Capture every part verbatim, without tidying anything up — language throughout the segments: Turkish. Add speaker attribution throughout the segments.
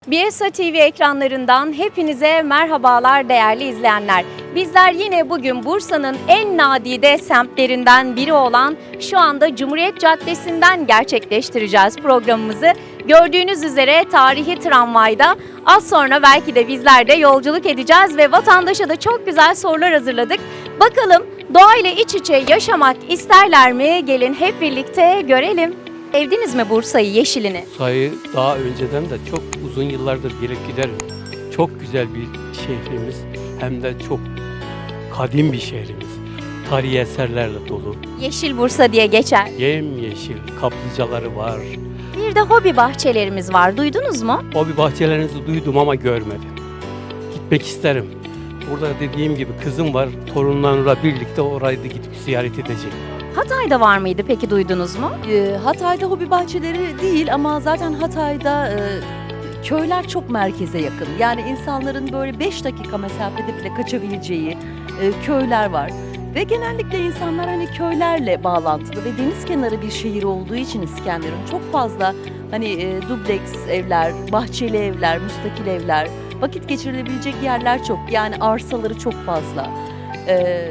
Speaker 1: B S A T V ekranlarından hepinize merhabalar değerli izleyenler. Bizler yine bugün Bursa'nın en nadide semtlerinden biri olan şu anda Cumhuriyet Caddesi'nden gerçekleştireceğiz programımızı. Gördüğünüz üzere tarihi tramvayda az sonra belki de bizler de yolculuk edeceğiz ve vatandaşa da çok güzel sorular hazırladık. Bakalım doğayla iç içe yaşamak isterler mi? Gelin hep birlikte görelim. Sevdiniz mi Bursa'yı, yeşilini?
Speaker 2: Bursa'yı daha önceden de çok uzun yıllardır gelip giderim. Çok güzel bir şehrimiz, hem de çok kadim bir şehrimiz. Tarihi eserlerle dolu.
Speaker 1: Yeşil Bursa diye geçer.
Speaker 2: Yemyeşil kaplıcaları var.
Speaker 1: Bir de hobi bahçelerimiz var. Duydunuz mu?
Speaker 2: Hobi bahçelerinizi duydum ama görmedim. Gitmek isterim. Burada dediğim gibi kızım var, torunlarla birlikte orayı da gidip ziyaret edeceğim.
Speaker 1: Hatay'da var mıydı peki, duydunuz mu?
Speaker 3: E, Hatay'da hobi bahçeleri değil ama zaten Hatay'da e, köyler çok merkeze yakın. Yani insanların böyle beş dakika mesafede bile kaçabileceği e, köyler var. Ve genellikle insanlar hani köylerle bağlantılı ve deniz kenarı bir şehir olduğu için İskenderun çok fazla hani e, dubleks evler, bahçeli evler, müstakil evler, vakit geçirilebilecek yerler çok. Yani arsaları çok fazla. E,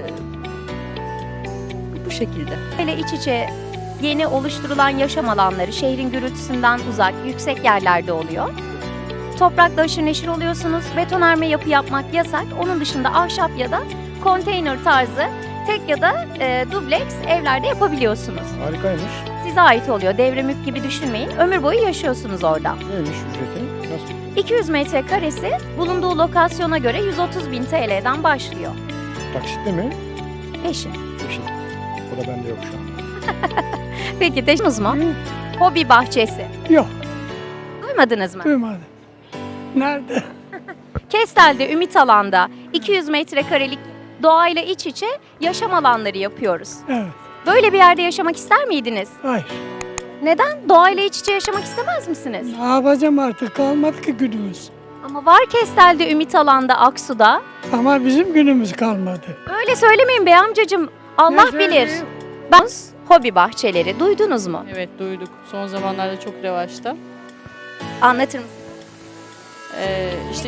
Speaker 3: bu şekilde.
Speaker 1: Böyle iç içe yeni oluşturulan yaşam alanları şehrin gürültüsünden uzak, yüksek yerlerde oluyor. Toprakla haşır neşir oluyorsunuz. Betonarme yapı yapmak yasak. Onun dışında ahşap ya da konteyner tarzı tek ya da e, dubleks evlerde yapabiliyorsunuz.
Speaker 4: Harikaymış.
Speaker 1: Size ait oluyor. Devre mülk gibi düşünmeyin. Ömür boyu yaşıyorsunuz orada.
Speaker 4: Neymiş ücreti? Nasıl?
Speaker 1: iki yüz metrekaresi bulunduğu lokasyona göre yüz otuz bin T L'den başlıyor.
Speaker 4: Taksitli mi?
Speaker 1: Peşin.
Speaker 4: Peşin. O da bende yok şu an.
Speaker 1: Peki teşiniz mu? Hobi bahçesi.
Speaker 4: Yok.
Speaker 1: Duymadınız mı?
Speaker 4: Duymadım. Nerede?
Speaker 1: Kestel'de Ümit Alan'da iki yüz metrekarelik doğayla iç içe yaşam alanları yapıyoruz.
Speaker 4: Evet.
Speaker 1: Böyle bir yerde yaşamak ister miydiniz?
Speaker 4: Hayır.
Speaker 1: Neden? Doğayla iç içe yaşamak istemez misiniz?
Speaker 4: Ne yapacağım artık? Kalmadı ki günümüz.
Speaker 1: Ama var Kestel'de Ümit Alan'da, Aksu'da.
Speaker 4: Ama bizim günümüz kalmadı.
Speaker 1: Öyle söylemeyin bey amcacığım. Allah
Speaker 4: Ne
Speaker 1: bilir.
Speaker 4: söyleyeyim?
Speaker 1: Ben hobi bahçeleri duydunuz mu?
Speaker 5: Evet duyduk. Son zamanlarda çok revaçta.
Speaker 1: Anlatır mısınız?
Speaker 5: Ee, işte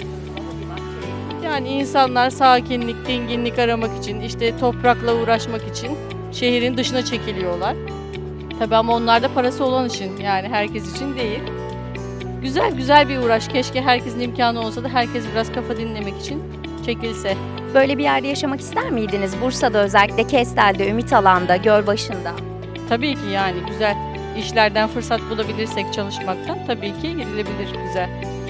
Speaker 5: yani insanlar sakinlik, dinginlik aramak için, işte toprakla uğraşmak için şehrin dışına çekiliyorlar. Tabii ama onlar da parası olan için, yani herkes için değil. Güzel güzel bir uğraş. Keşke herkesin imkanı olsa da herkes biraz kafa dinlemek için çekilse.
Speaker 1: Böyle bir yerde yaşamak ister miydiniz? Bursa'da özellikle Kestel'de, Ümit Alan'da, Gölbaşı'nda.
Speaker 5: Tabii ki yani güzel işlerden fırsat bulabilirsek çalışmaktan tabii ki gidilebilir güzel.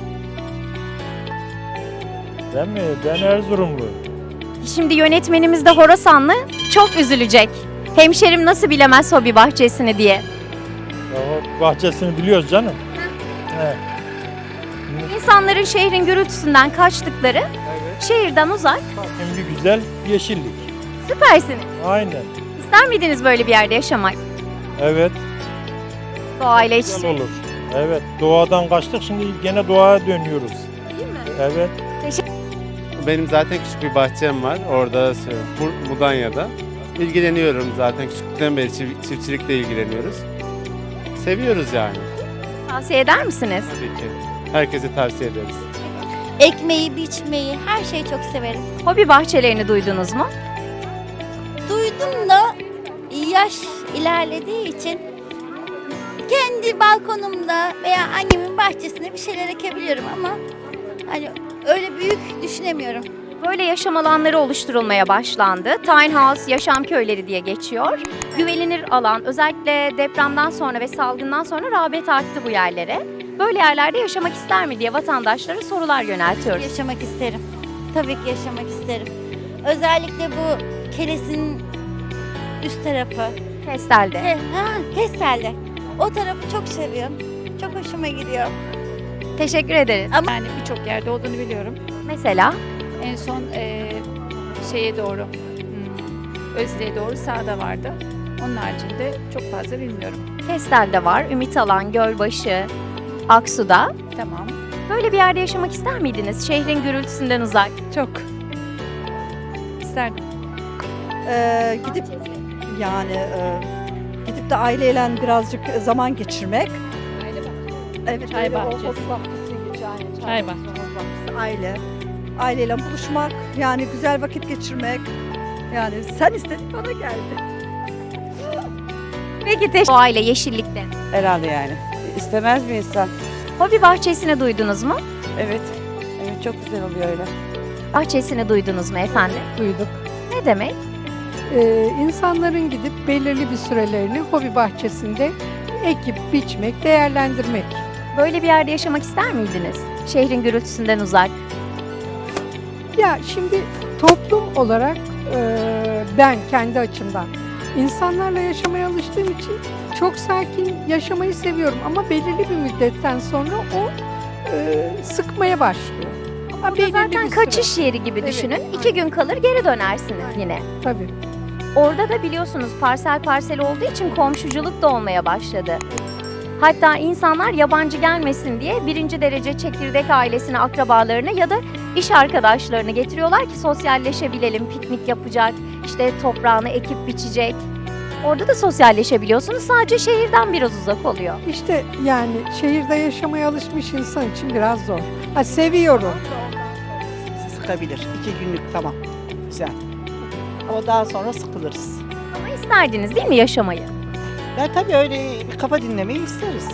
Speaker 6: Ben mi? Ben Erzurumlu.
Speaker 1: Şimdi yönetmenimiz de Horasanlı, çok üzülecek. Hemşerim nasıl bilemez hobi bahçesini diye.
Speaker 6: Ya o bahçesini biliyoruz canım. Evet.
Speaker 1: İnsanların şehrin gürültüsünden kaçtıkları, şehirden uzak.
Speaker 6: Hem bir güzel yeşillik.
Speaker 1: Süpersiniz.
Speaker 6: Aynen.
Speaker 1: İster miydiniz böyle bir yerde yaşamak?
Speaker 6: Evet.
Speaker 1: Doğayla iç
Speaker 6: Güzel
Speaker 1: içe.
Speaker 6: olur. Evet. Doğadan kaçtık, şimdi gene doğaya dönüyoruz.
Speaker 1: Değil mi?
Speaker 6: Evet.
Speaker 7: Benim zaten küçük bir bahçem var orada, Bur- Mudanya'da. İlgileniyorum zaten, küçüklükten beri çift- çiftçilikle ilgileniyoruz. Seviyoruz yani,
Speaker 1: Tavsiye eder misiniz?
Speaker 7: tabii ki. Herkese tavsiye ederiz.
Speaker 8: Ekmeği, biçmeyi, her şeyi çok severim.
Speaker 1: Hobi bahçelerini duydunuz mu?
Speaker 8: Duydum da yaş ilerlediği için kendi balkonumda veya annemin bahçesinde bir şeyler ekebiliyorum ama hani öyle büyük düşünemiyorum.
Speaker 1: Böyle yaşam alanları oluşturulmaya başlandı. Tiny House, yaşam köyleri diye geçiyor. Güvenilir alan, özellikle depremden sonra ve salgından sonra rağbet arttı bu yerlere. Böyle yerlerde yaşamak ister mi diye vatandaşlara sorular yöneltiyoruz.
Speaker 8: Yaşamak isterim. Tabii ki yaşamak isterim. Özellikle bu Keles'in üst tarafı.
Speaker 1: Kestel'de.
Speaker 8: Ke- ha, Kestel'de. O tarafı çok seviyorum. Çok hoşuma gidiyor.
Speaker 1: Teşekkür ederiz.
Speaker 8: Ama
Speaker 9: Yani birçok yerde olduğunu biliyorum.
Speaker 1: Mesela
Speaker 9: En son eee, şeye doğru, hmm, Özde'ye doğru sağda vardı. Onun haricinde çok fazla bilmiyorum.
Speaker 1: Kestel'de var, Ümit Alan, Gölbaşı, Aksu'da.
Speaker 9: Tamam,
Speaker 1: Böyle bir yerde yaşamak ister miydiniz? Şehrin gürültüsünden uzak.
Speaker 9: çok isterdim.
Speaker 3: Ee, gidip yani e, gidip de aileyle birazcık zaman geçirmek.
Speaker 9: Aile bahçesi.
Speaker 3: Evet,
Speaker 9: Çay
Speaker 3: öyle o
Speaker 9: bahçesi.
Speaker 3: hobi bahçesi geçer.
Speaker 5: Çay bahçesi.
Speaker 10: Aile. Aileyle buluşmak, yani güzel vakit geçirmek. Yani sen istedin bana geldi.
Speaker 1: Peki teşekkür Doğayla, yeşillikte.
Speaker 10: Herhalde yani. İstemez mi insan?
Speaker 1: Hobi bahçesini duydunuz mu?
Speaker 10: Evet. Evet, çok güzel oluyor öyle.
Speaker 1: Bahçesini duydunuz mu efendim?
Speaker 4: Duyduk.
Speaker 1: Ne demek?
Speaker 4: Ee, insanların gidip belirli bir sürelerini hobi bahçesinde ekip, biçmek, değerlendirmek.
Speaker 1: Böyle bir yerde yaşamak ister miydiniz? Şehrin gürültüsünden uzak.
Speaker 4: Ya şimdi toplum olarak e, ben kendi açımdan insanlarla yaşamaya alıştığım için çok sakin yaşamayı seviyorum ama belirli bir müddetten sonra o e, sıkmaya başlıyor. Ama
Speaker 1: Burada zaten kaçış yeri gibi
Speaker 4: Evet,
Speaker 1: düşünün.
Speaker 4: aynen.
Speaker 1: İki gün kalır geri dönersiniz yine.
Speaker 4: Tabii.
Speaker 1: Orada da biliyorsunuz parsel parsel olduğu için komşuculuk da olmaya başladı. Hatta insanlar yabancı gelmesin diye birinci derece çekirdek ailesini, akrabalarını ya da iş arkadaşlarını getiriyorlar ki sosyalleşebilelim, piknik yapacak, işte toprağını ekip biçecek. Orada da sosyalleşebiliyorsunuz, sadece şehirden biraz uzak oluyor.
Speaker 4: İşte yani şehirde yaşamaya alışmış insan için biraz zor. Ha, seviyorum.
Speaker 10: Sıkabilir. İki günlük tamam. Güzel. Ama daha sonra sıkılırız.
Speaker 1: Ama isterdiniz değil mi yaşamayı?
Speaker 10: Ya tabii öyle bir kafa dinlemeyi isteriz.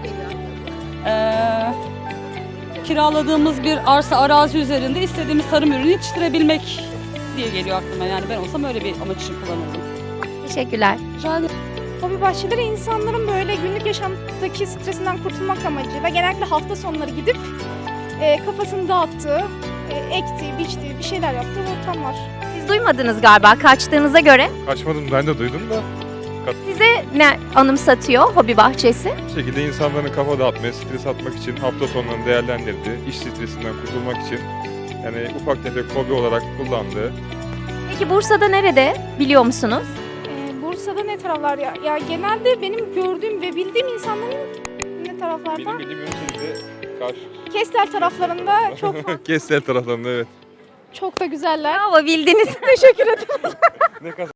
Speaker 11: Ee, kiraladığımız bir arsa arazi üzerinde istediğimiz tarım ürünü yetiştirebilmek diye geliyor aklıma. Yani ben olsam öyle bir amaç için kullanırdım.
Speaker 1: Teşekkürler.
Speaker 9: Hobi bahçeleri insanların böyle günlük yaşamdaki stresinden kurtulmak amacıyla genellikle hafta sonları gidip e, kafasını dağıttığı, e, ektiği, biçtiği, bir şeyler yaptığı ortamlar.
Speaker 1: Siz duymadınız galiba kaçtığınıza göre.
Speaker 6: Kaçmadım, ben de duydum da.
Speaker 1: Size ne anımsatıyor hobi bahçesi?
Speaker 6: Bu şekilde insanların kafa dağıtmaya, stres atmak için, hafta sonlarını değerlendirdiği, iş stresinden kurtulmak için yani ufak tefek hobi olarak kullandığı.
Speaker 1: Peki Bursa'da nerede biliyor musunuz?
Speaker 9: E, Bursa'da ne taraflar ya? Ya genelde benim gördüğüm ve bildiğim insanların ne taraflarda?
Speaker 6: Benim bildiğim Ünlü'de karşı.
Speaker 9: Kestel taraflarında çok
Speaker 6: Kestel taraflarında evet.
Speaker 9: çok da güzeller.
Speaker 1: Bravo bildiniz.
Speaker 9: Teşekkür ederim.
Speaker 6: Ne kadar